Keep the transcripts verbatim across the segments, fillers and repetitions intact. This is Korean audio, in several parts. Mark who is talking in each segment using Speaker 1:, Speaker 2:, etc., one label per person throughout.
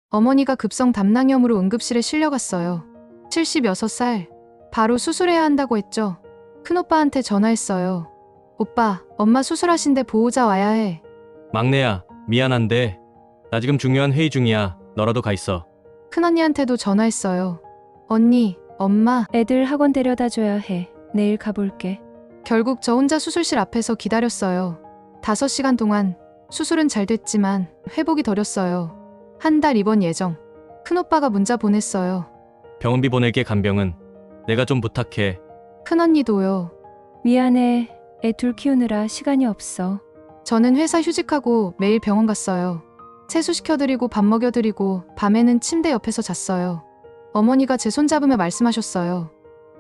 Speaker 1: 어머니가 급성 담낭염으로 응급실에 실려갔어요. 칠십육 살. 바로 수술해야 한다고 했죠. 큰오빠한테 전화했어요. 오빠, 엄마 수술하신데 보호자 와야 해.
Speaker 2: 막내야, 미안한데 나 지금 중요한 회의 중이야. 너라도 가 있어.
Speaker 1: 큰언니한테도 전화했어요. 언니, 엄마.
Speaker 3: 애들 학원 데려다 줘야 해. 내일 가볼게.
Speaker 1: 결국 저 혼자 수술실 앞에서 기다렸어요. 다섯 시간 동안. 수술은 잘 됐지만 회복이 더뎠어요. 한 달 입원 예정. 큰오빠가 문자 보냈어요.
Speaker 2: 병원비 보낼게. 간병은 내가 좀 부탁해.
Speaker 1: 큰언니도요.
Speaker 3: 미안해. 애 둘 키우느라 시간이 없어.
Speaker 1: 저는 회사 휴직하고 매일 병원 갔어요. 세수시켜드리고 밥 먹여드리고 밤에는 침대 옆에서 잤어요. 어머니가 제 손잡으며 말씀하셨어요.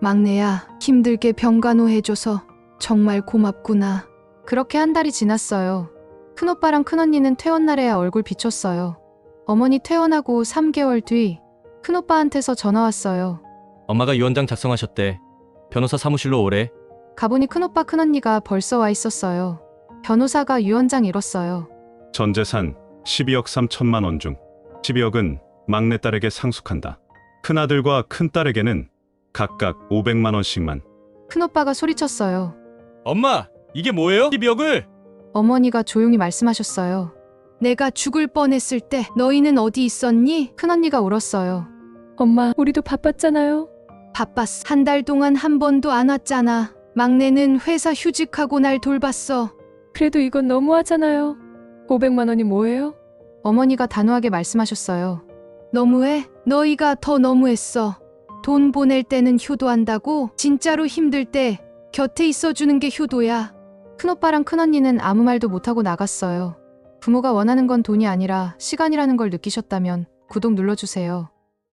Speaker 1: 막내야, 힘들게 병간호해줘서 정말 고맙구나. 그렇게 한 달이 지났어요. 큰오빠랑 큰언니는 퇴원날에야 얼굴 비췄어요. 어머니 퇴원하고 삼 개월 뒤 큰오빠한테서 전화 왔어요.
Speaker 2: 엄마가 유언장 작성하셨대. 변호사 사무실로 오래.
Speaker 1: 가보니 큰오빠 큰언니가 벌써 와 있었어요. 변호사가 유언장 읽었어요.
Speaker 4: 전 재산 십이억 삼천만 원 중 십이억은 막내딸에게 상속한다. 큰아들과 큰딸에게는 각각 오백만 원씩만.
Speaker 1: 큰오빠가 소리쳤어요.
Speaker 2: 엄마, 이게 뭐예요? 십이억을?
Speaker 1: 어머니가 조용히 말씀하셨어요. 내가 죽을 뻔했을 때 너희는 어디 있었니? 큰언니가 울었어요.
Speaker 3: 엄마, 우리도 바빴잖아요.
Speaker 1: 바빴어. 한 달 동안 한 번도 안 왔잖아. 막내는 회사 휴직하고 날 돌봤어.
Speaker 3: 그래도 이건 너무하잖아요. 오백만 원이 뭐예요?
Speaker 1: 어머니가 단호하게 말씀하셨어요. 너무해? 너희가 더 너무했어. 돈 보낼 때는 효도한다고? 진짜로 힘들 때 곁에 있어주는 게 효도야. 큰오빠랑 큰언니는 아무 말도 못하고 나갔어요. 부모가 원하는 건 돈이 아니라 시간이라는 걸 느끼셨다면 구독 눌러주세요.